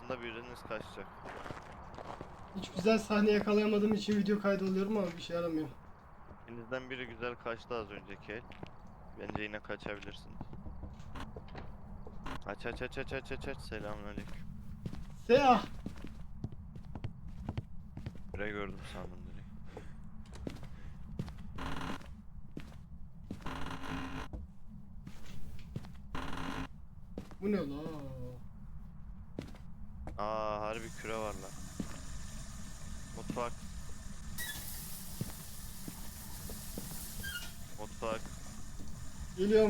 yakında biriniz kaçacak. Hiç güzel sahne yakalayamadığım için video kaydı alıyorum ama bir şey yaramıyor. İkinizden biri güzel kaçtı az önceki el. Bence yine kaçabilirsiniz. Aç aç aç aç aç aç aç. Selamünaleyküm. Seah! Buraya gördüm sandım direkt. Bu ne la? Aa, harbi küre var lan. Mutfak. Mutfak. Geliyorum.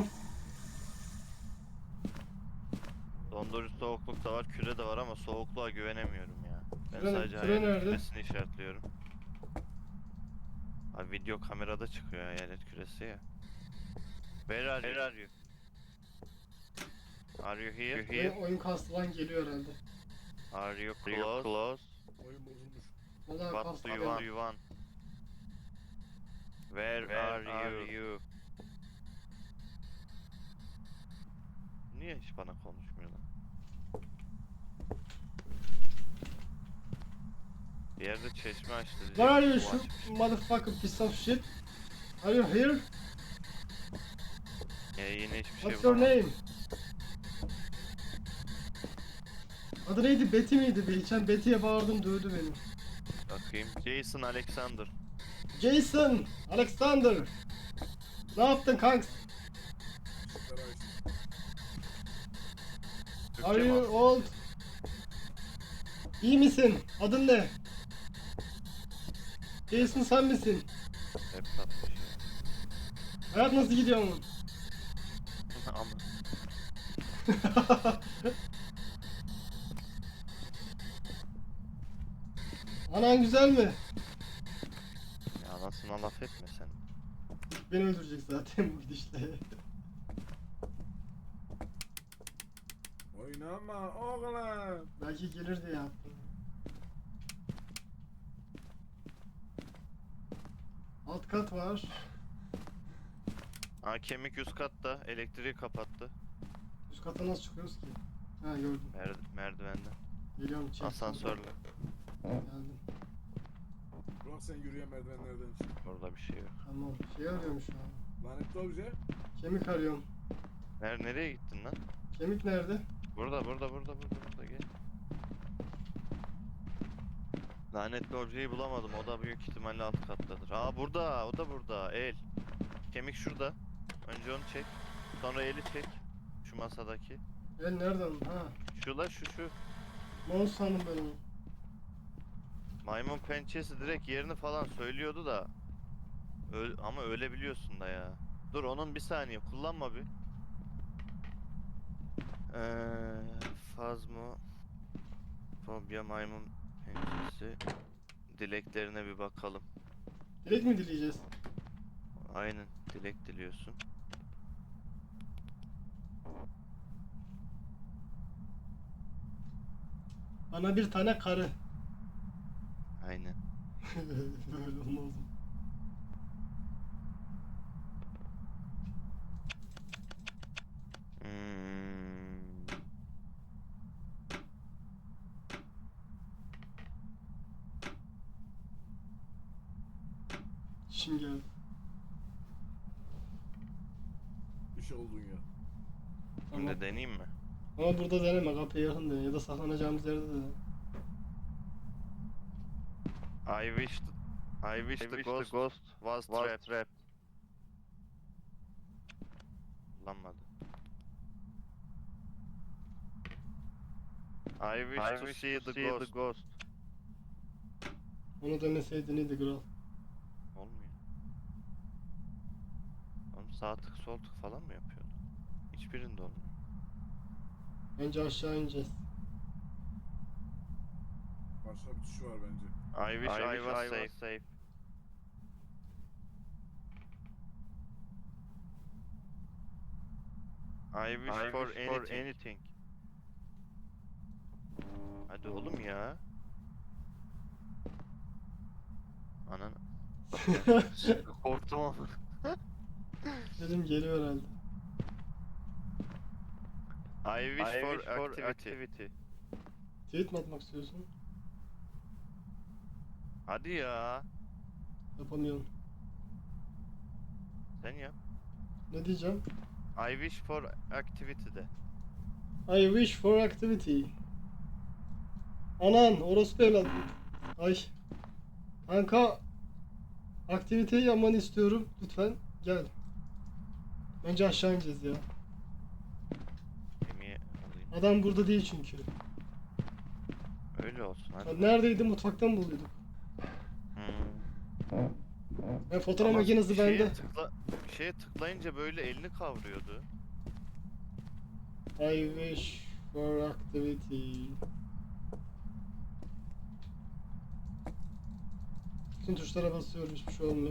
Dondurucu soğukluk da var, küre de var ama soğukluğa güvenemiyorum ya. Ben Küre- sadece küre hayalet nerede? küresini işaretliyorum. Abi video kamerada çıkıyor hayalet küresi ya. Where are you? Are you here? Oyun kastı lan geliyor herhalde. Are you close? Oyun bozulmuş. Valla What kastı do you geldi. want? Where are you? Niye hiç bana konuşmuyor lan? Bir yerde çeşme açtı diyecek. Where are you Su shoot açmış. motherfucker piece of shit? Are you here? Yine hiçbir şey What's your bulamadım. name? Adı neydi? Betty miydi? Geçen Betty'ye bağırdım dövdü beni. Bakayım. Jason Alexander. Jason! Alexander! Ne yaptın kanks? Işıkları açtım. Are Türkçe mi you attın? old? İyi misin? Adın ne? Jason sen misin? Hep satmış ya. Hayat nasıl gidiyor mu? Ama Anan güzel mi? ya anasına laf etme sen. Beni öldürecek zaten bu gidişle. Oynama oğlum. Belki gelir diye yaptım. Alt kat var. Aa, kemik üst katta. Elektriği kapattı. Üst kata nasıl çıkıyoruz ki? Ha gördüm. Merdivenden. Geliyorum çek. Asansörle. Geldim. Burak sen yürüyen merdivenlerden çık. Orada bir şey yok. Tamam. Şey arıyorum şu an. Lanetli obje. Kemik arıyorum. Nereye gittin lan? Kemik nerede? Burada gel. Lanetli objeyi bulamadım. O da büyük ihtimalle alt kattadır. Aa, burada. O da burada. El. Kemik şurada. Önce onu çek. Sonra eli çek. Şu masadaki. El nereden? Ha. Şu. Mouse sandım ben onu. Maymun pençesi direkt yerini falan söylüyordu da. Ama ölebiliyorsun da ya. Dur, onun bir saniye kullanma bir. Fazmo Fobia maymun pençesi. Dileklerine bir bakalım. Direkt mi dileyeceğiz? Aynen, dilek diliyorsun. Bana bir tane karı. Aynen. Böyle olmaz mı? Hmm. Şimdi geldi. Bir şey oldun ya. Tamam. Şimdi deneyeyim mi? Ama burada deneme, kapıya yakın dene ya da saklanacağımız yerde dene. I wish the ghost was trapped. Kullanmadı. I wish to see the ghost. Onu deneseydin iyiydi kral. Olmuyor. Oğlum sağ tık sol tık falan mı yapıyordu? Hiçbirinde olmuyor. Bence aşağı ineceğiz. Başka bir tuşu var bence. I wish I was safe. I wish for anything. Hadi oğlum ya. Anan. Korktum ama. Dedim geliyor herhalde. I wish for activity. Tweet mi atmak istiyorsun? Hadi ya. Yapamıyorum. Sen yap. Ne diyeceğim? I wish for activity de. I wish for activity. Anan orospu evlat. Ay. Kanka. Aktiviteyi yapmanı istiyorum. Lütfen gel. Bence aşağı ineceğiz ya. Gemiye alayım. Adam burada değil çünkü. Öyle olsun hadi. Ya neredeydi? Mutfaktan mı buluyorduk? Hmm. Fotoğraf Ama makinesi bir şeye bende. bir şeye tıklayınca böyle elini kavruyordu. I wish for activity. Bütün tuşlara basıyorum, hiçbir şey olmuyor.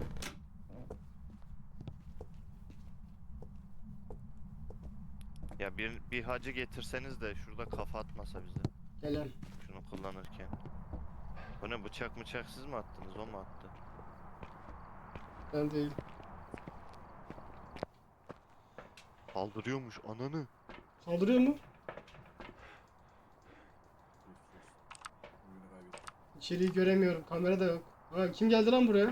Ya bir hacı getirseniz de şurada kafa atmasa bize. Gelen. Şunu kullanırken. Bu ne, bıçak mıçak siz mi attınız, o mu attı? Ben değil. Kaldırıyormuş ananı. Kaldırıyor mu? Oyunu kaybettim. İçeriği göremiyorum. Kamera da yok. Ha, kim geldi lan buraya?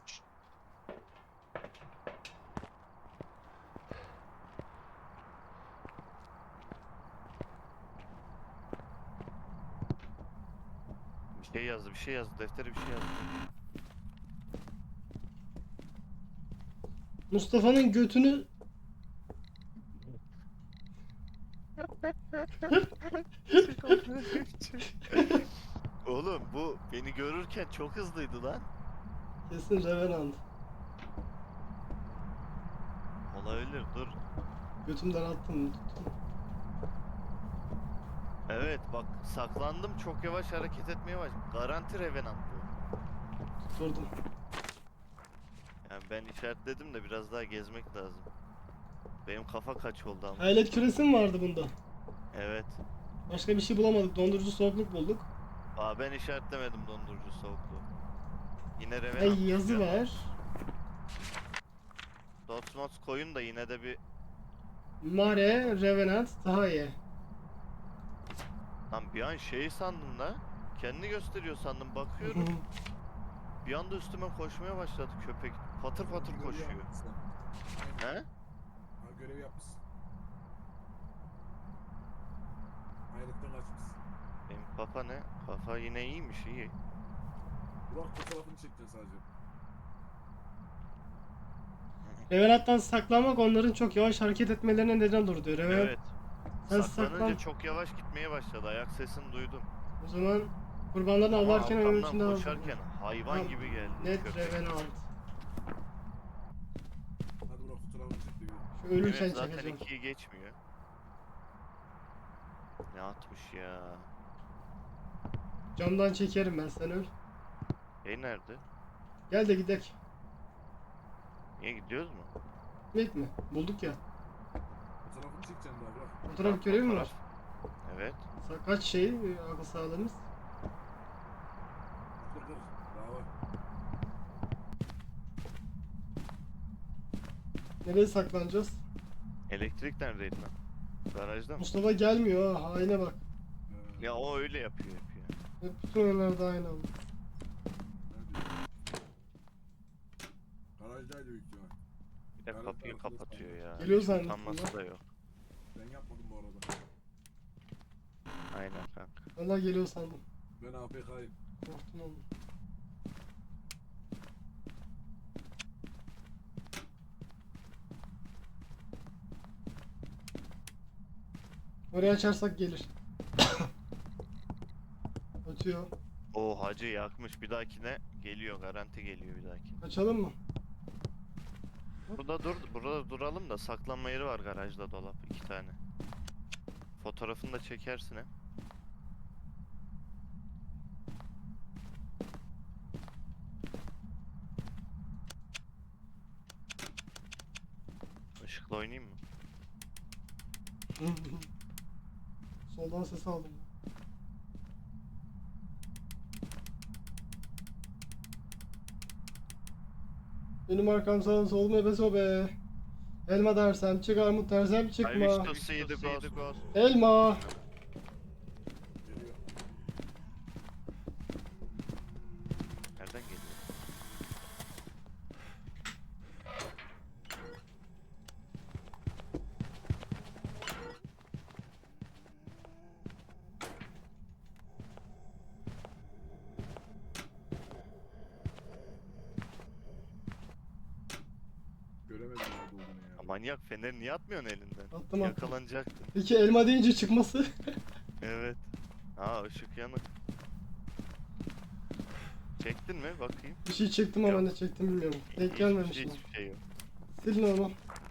Bir şey yazdı, deftere bir şey yazdı. Mustafa'nın götünü... Oğlum bu beni görürken çok hızlıydı lan. Kesin Revenant. Olabilir, dur. Götümden attım. Tuttum. Evet bak, saklandım, çok yavaş hareket etmeye başladım. Garanti Revenant bu. Tutturdum. Yani ben işaretledim de biraz daha gezmek lazım. Benim kafa kaç oldu ama. Hayalet küresi mi vardı bunda? Evet. Başka bir şey bulamadık. Dondurucu soğukluk bulduk. Aa, ben işaretlemedim dondurucu soğukluğu. Yine Revenant. Ay, yazı çıkıyor. var. Dots mods koyun da yine de bir... Mare, Revenant, daha iyi. Lan bir an şey sandım da. Kendini gösteriyor sandım, bakıyorum. Bir anda üstüme koşmaya başladı köpek. Patır patır Görev koşuyor. yapmışsın. He? Ha, görev yapmışsın. Hayaletten kaçmışsın. Benim kafa ne? Kafa yine iyiymiş, iyi. Burak fotoğrafını çekeceksin sadece. Revenant'tan saklanmak onların çok yavaş hareket etmelerine neden olur diyor. Revenant, Evet. sen Saklanınca saklan. çok yavaş gitmeye başladı. Ayak sesini duydum. O zaman kurbanlarını Ama avlarken önün içinde arkamdan al. koşarken hayvan Tamam, gibi geldi. Net köpek. Revenant. Hadi Burak fotoğrafını çek de bir. Şu ölürken Evet, zaten çekeceğim. 2'yi geçmiyor. Ne atmış ya? Camdan çekerim ben, sen öl. Nerede? Gel de gidek. Niye gidiyoruz mu? Gitmek mi? Bulduk ya. Fotoğrafını çekeceksin daha Burak. Fotoğraf görevi mi var? Fotoğraf. Evet. Kaç şey akıl sağlığımız? Dur dur. Daha var. Nereye saklanacağız? Elektrik neredeydi lan? Garajda mı? Mustafa gelmiyor ha, haine bak. Ya o öyle yapıyor. Hep bütün oyunlarda aynı oldu. Nerede? Garajdaydı büyük ihtimal. Bir de Garaj kapıyı tarafında kapatıyor sandım. ya. Geliyor Hiç zannettim utanması lan. da yok. Ben yapmadım bu arada. Aynen kanka. Vallahi geliyor sandım. Ben APK'yim. Korktum oğlum. Oraya açarsak gelir. Ötüyor. O hacı yakmış, bir dahakine geliyor, garanti geliyor bir dahakine. Açalım mı? Burada duralım da, saklanma yeri var garajda, dolap 2 tane. Fotoğrafını da çekersin he. Işıkla oynayayım mı? Soldan ses aldım. Benim arkam sağ solum ebe sobe. Elma dersem çık, armut dersem I çıkma. wish to see the ghost. Elma. Geliyor. manyak feneri niye atmıyorsun elinden? Attım attım. Yakalanacaktın. Peki elma deyince çıkması? Evet. Aa ışık yanık. Çektin mi? Bakayım. Bir şey çektim ama Yok. ne çektim bilmiyorum. Denk Hiçbir gelmemiş şey, mi? hiçbir şey yok. Sil normal.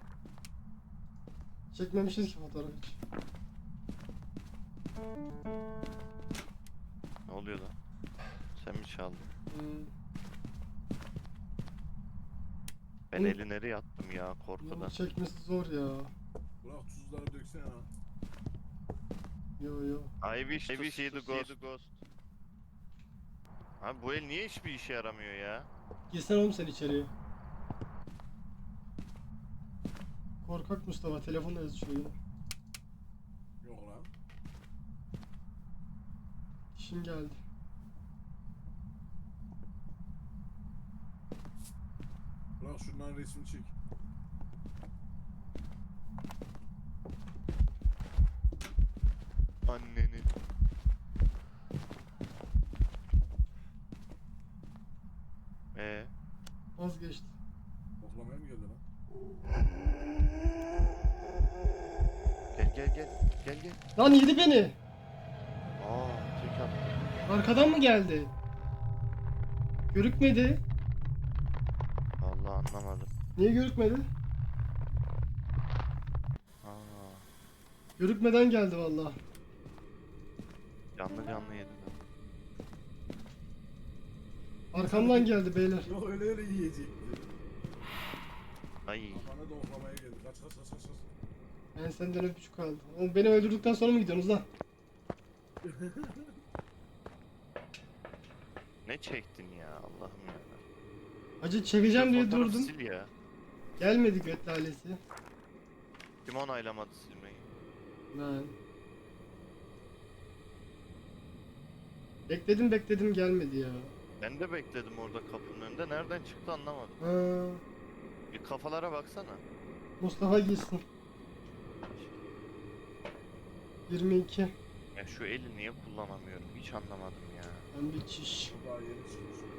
Çekmemişiz ki fotoğraf hiç. Ne oluyor lan? Sen mi çaldın? Hmm. Ben Hı. eli nereye attım ya korkudan. Bunu çekmesi zor ya. Bırak tuzları döksene ha. Yo yo. I wish to see the ghost. Abi bu el niye hiçbir işe yaramıyor ya? Girsene oğlum sen içeriye. Korkak Mustafa telefonla yazışıyor yine. Yok lan. İşin geldi. Bırak şunların resmini çek. Anneni. Vazgeçti. Koklamaya mı geldi lan? Gel. Lan yedi beni. Aa tek attı. Arkadan mı geldi? Görükmedi. Vallahi anlamadım. Niye görükmedi? Aa Görükmeden geldi vallahi. canlı yedi. Arkamdan geldi beyler. Yok öyle yiyecekti. Ay Kafana da oklamaya geldi. Kaç. Ben senden öpücük aldım. Oğlum beni öldürdükten sonra mı gidiyorsunuz lan? ne çektin ya Allah'ım ya. Acı çekeceğim diye Fotoğrafı durdum. Sil ya. Gelmedi göt lalesi. Kim onaylamadı silmeyi? Ben. Bekledim gelmedi ya. Ben de bekledim orada kapının önünde. Nereden çıktı anlamadım. Ha, Bir kafalara baksana. Mustafa gitsin. 22. Ya şu eli niye kullanamıyorum hiç anlamadım ya. Ben bir çiş. Bu daha yeni çıkmış.